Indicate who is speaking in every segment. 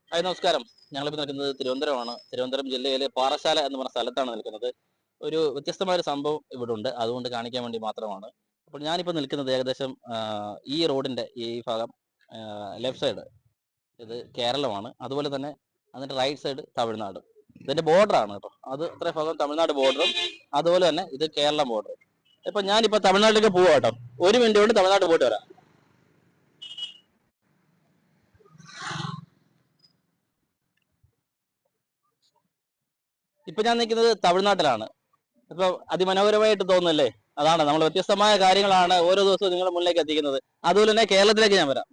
Speaker 1: Hi നമസ്കാരം. ഞങ്ങളിപ്പോൾ നിൽക്കുന്നത് തിരുവനന്തപുരമാണ്. തിരുവനന്തപുരം ജില്ലയിലെ പാറശാല എന്ന് പറഞ്ഞ സ്ഥലത്താണ് നിൽക്കുന്നത്. ഒരു വ്യത്യസ്തമായ ഒരു സംഭവം ഇവിടെ ഉണ്ട്. അതുകൊണ്ട് കാണിക്കാൻ വേണ്ടി മാത്രമാണ്. അപ്പോൾ ഞാനിപ്പോൾ നിൽക്കുന്നത് ഏകദേശം ഈ റോഡിന്റെ ഈ ഭാഗം ലെഫ്റ്റ് സൈഡ് ഇത് കേരളമാണ്. അതുപോലെ തന്നെ അതിന്റെ റൈറ്റ് സൈഡ് തമിഴ്നാട്. ഇതിന്റെ ബോർഡറാണ് കേട്ടോ. അത് ഇത്ര ഭാഗം തമിഴ്നാട് ബോർഡറും അതുപോലെ തന്നെ ഇത് കേരളം ബോർഡറും. ഇപ്പൊ ഞാനിപ്പോ തമിഴ്നാട്ടിലേക്ക് പോവാ കേട്ടോ. ഒരു മിനിറ്റ് കൊണ്ട് തമിഴ്നാട് പോയിട്ട് വരാം. ഇപ്പൊ ഞാൻ നിൽക്കുന്നത് തമിഴ്നാട്ടിലാണ്. ഇപ്പൊ അതിമനോഹരമായിട്ട് തോന്നുന്നല്ലേ? അതാണ് നമ്മൾ വ്യത്യസ്തമായ കാര്യങ്ങളാണ് ഓരോ ദിവസവും നിങ്ങളുടെ മുന്നിലേക്ക് എത്തിക്കുന്നത്. അതുപോലെ തന്നെ കേരളത്തിലേക്ക് ഞാൻ വരാം.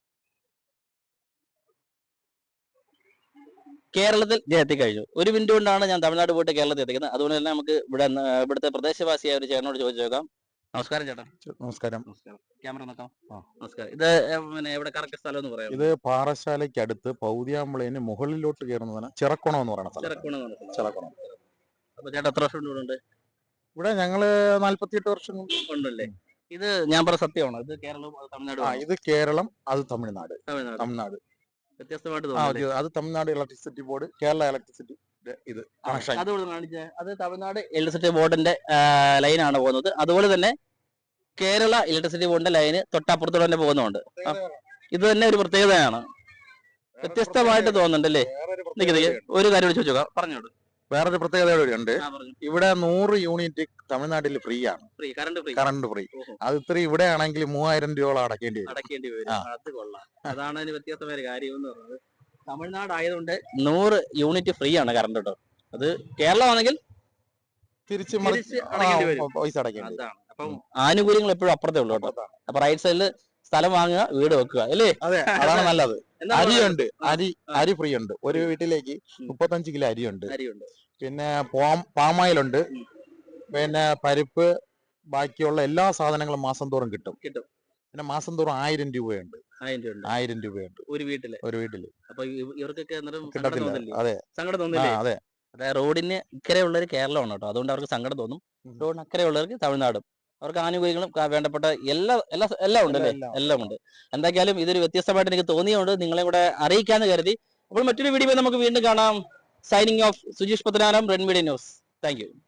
Speaker 1: കേരളത്തിൽ ഞാൻ എത്തിക്കഴിഞ്ഞു. ഒരു മിനിറ്റ് കൊണ്ടാണ് ഞാൻ തമിഴ്നാട് പോയിട്ട് കേരളത്തിൽ എത്തിക്കുന്നത്. അതുകൊണ്ട് തന്നെ നമുക്ക് ഇവിടുത്തെ പ്രദേശവാസിയായ ഒരു ചേട്ടനോട് ചോദിച്ചു നോക്കാം. നമസ്കാരം ചേട്ടാ.
Speaker 2: നമസ്കാരം.
Speaker 1: നമസ്കാരം. ക്യാമറ നോക്കാം. നമസ്കാരം. ഇത് പിന്നെ എവിടെ കറക്റ്റ് സ്ഥലം എന്ന് പറയാം?
Speaker 2: ഇത് പാറശാലയ്ക്ക് അടുത്ത് പൗതിയാമ്പളേന് മുകളിലോട്ട് കയറുന്നതാണ് ചിറക്കുണം എന്ന് പറയുന്ന സ്ഥലം. ചിറക്കുണം.
Speaker 1: അപ്പൊ ചേട്ടാ എത്ര വർഷം ഇവിടെ ഉണ്ട്?
Speaker 2: ഇവിടെ ഞങ്ങള് 48 വർഷം
Speaker 1: ഉണ്ടല്ലേ? ഇത് ഞാൻ പറഞ്ഞ സത്യമാണോ? ഇത് കേരളവും തമിഴ്നാടും?
Speaker 2: ഇത് കേരളം, അത് തമിഴ്നാട്. തമിഴ്നാട്
Speaker 1: വ്യത്യസ്തമായിട്ട്
Speaker 2: അത് Tamil Nadu electricity board, Kerala electricity ഇത്
Speaker 1: അത് തമിഴ്നാട് ഇലക്ട്രിസിറ്റി ബോർഡിന്റെ ലൈനാണ് പോകുന്നത്. അതുപോലെ തന്നെ കേരള ഇലക്ട്രിസിറ്റി ബോർഡിന്റെ ലൈന് തൊട്ടപ്പുറത്തോടെ തന്നെ പോകുന്നുണ്ട്. ഇത് തന്നെ ഒരു പ്രത്യേകതയാണ്. വ്യത്യസ്തമായിട്ട് തോന്നുന്നുണ്ടല്ലേ? ഒരു കാര്യം ചോദിച്ചോക്കാം, പറഞ്ഞോളൂ.
Speaker 2: വേറൊരു പ്രത്യേകത ഉണ്ട്. ഇവിടെ 100 യൂണിറ്റ് തമിഴ്നാട്ടിൽ ഫ്രീ ആണ്. Current free. അത് ഇത്ര ഇവിടെ ആണെങ്കിൽ 3000 രൂപ അടക്കേണ്ടി
Speaker 1: വരും. അത് കൊള്ളാം. അതാണ് അതിന് വ്യത്യസ്തമായ കാര്യം എന്ന് പറയുന്നത്. തമിഴ്നാട് ആയതുകൊണ്ട് 100 യൂണിറ്റ് ഫ്രീ ആണ് കറണ്ട് കേട്ടോ. അത് കേരളമാണെങ്കിൽ
Speaker 2: തിരിച്ച് പൈസ അടക്കേണ്ടി.
Speaker 1: അതാണ്. അപ്പം ആനുകൂല്യങ്ങൾ എപ്പോഴും അപ്പുറത്തേ ഉള്ളൂ കേട്ടോ. അപ്പൊ റൈറ്റ് സൈഡിൽ സ്ഥലം വാങ്ങുക, വീട് വെക്കുക അല്ലേ?
Speaker 2: അതെ, അതാണ് നല്ലത്. അരിയുണ്ട്, അരി ഫ്രീ ഉണ്ട്. ഒരു വീട്ടിലേക്ക് 35 കിലോ അരിയുണ്ട്. പിന്നെ പാമായിലുണ്ട്. പിന്നെ പരിപ്പ്, ബാക്കിയുള്ള എല്ലാ സാധനങ്ങളും മാസം തോറും കിട്ടും. പിന്നെ മാസം തോറും 1000 രൂപയുണ്ട്. 1000 രൂപയുണ്ട് ഒരു വീട്ടില്. അപ്പൊ ഇവർക്കൊക്കെ കിട്ടത്തില്ല. അതെ, സങ്കടം തോന്നില്ലേ? അതെ. അതായത് റോഡിന് ഇക്കരെയുള്ളവർ കേരളമാണ് കേട്ടോ. അതുകൊണ്ട് അവർക്ക് സങ്കടം തോന്നും. റോഡിന് അക്കരെയുള്ളവർക്ക് തമിഴ്നാടും. അവർക്ക് ആനുകൂല്യങ്ങളും വേണ്ടപ്പെട്ട എല്ലാം ഉണ്ടല്ലേ? എല്ലാം ഉണ്ട്. എന്തായാലും ഇതൊരു വ്യത്യസ്തമായിട്ട് എനിക്ക് തോന്നിയുണ്ട്, നിങ്ങളെ കൂടെ അറിയിക്കാന്ന് കരുതി. അപ്പോൾ മറ്റൊരു വീഡിയോ നമുക്ക് വീണ്ടും കാണാം. Signing off, Sujeesh Pathanapuram, red media news. Thank U.